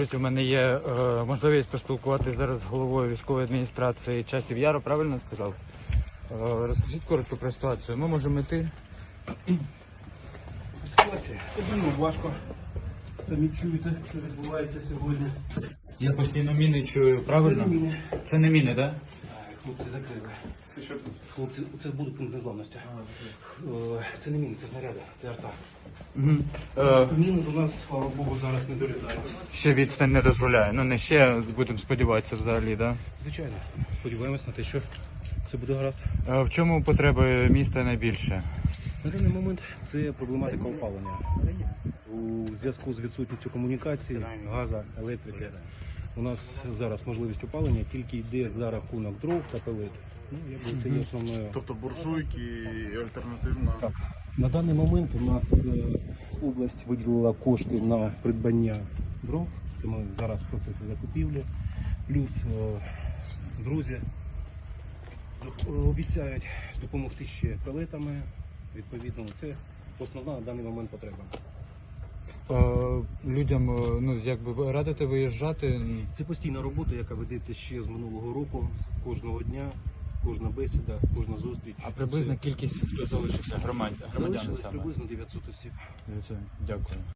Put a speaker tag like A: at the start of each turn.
A: У мене є можливість поспілкуватися зараз з головою військової адміністрації Часів Яру, правильно сказав? Розкажіть коротко про ситуацію. Ми можемо йти.
B: Ситуація стабільно, важко. Самі чуєте, що відбувається сьогодні.
A: Я постійно міни чую, правильно?
B: Це не міни.
A: Це не міни, так?
B: Хлопці закрили. Хлопці, це буде пункт незламності. Це не міни, це снаряди, це арта. Міни до нас, слава Богу, зараз не долітають.
A: Ще відстань не дозволяє. Ну не ще, будемо сподіватися взагалі, так?
B: Звичайно, сподіваємось на те, що все буде гаразд.
A: В чому потреби міста найбільше?
B: На даний момент це проблематика опалення. У зв'язку з відсутністю комунікації, газу, електрики, у нас зараз можливість опалення тільки йде за рахунок дров та пелет. Ну, якби це є основною.
C: Тобто буржуйки і альтернативна.
B: Так. На даний момент у нас область виділила кошти на придбання дров. Це ми зараз в процесі закупівлі. Плюс друзі обіцяють допомогти ще пелетами. Відповідно, це основна на даний момент потреба.
A: Людям, ну якби радите виїжджати.
B: Це постійна робота, яка ведеться ще з минулого року. Кожного дня, кожна бесіда, кожна зустріч.
A: А приблизна кількість, хто залишився громадян
B: Залишилось
A: саме?
B: приблизно 900 осіб.
A: Дякую.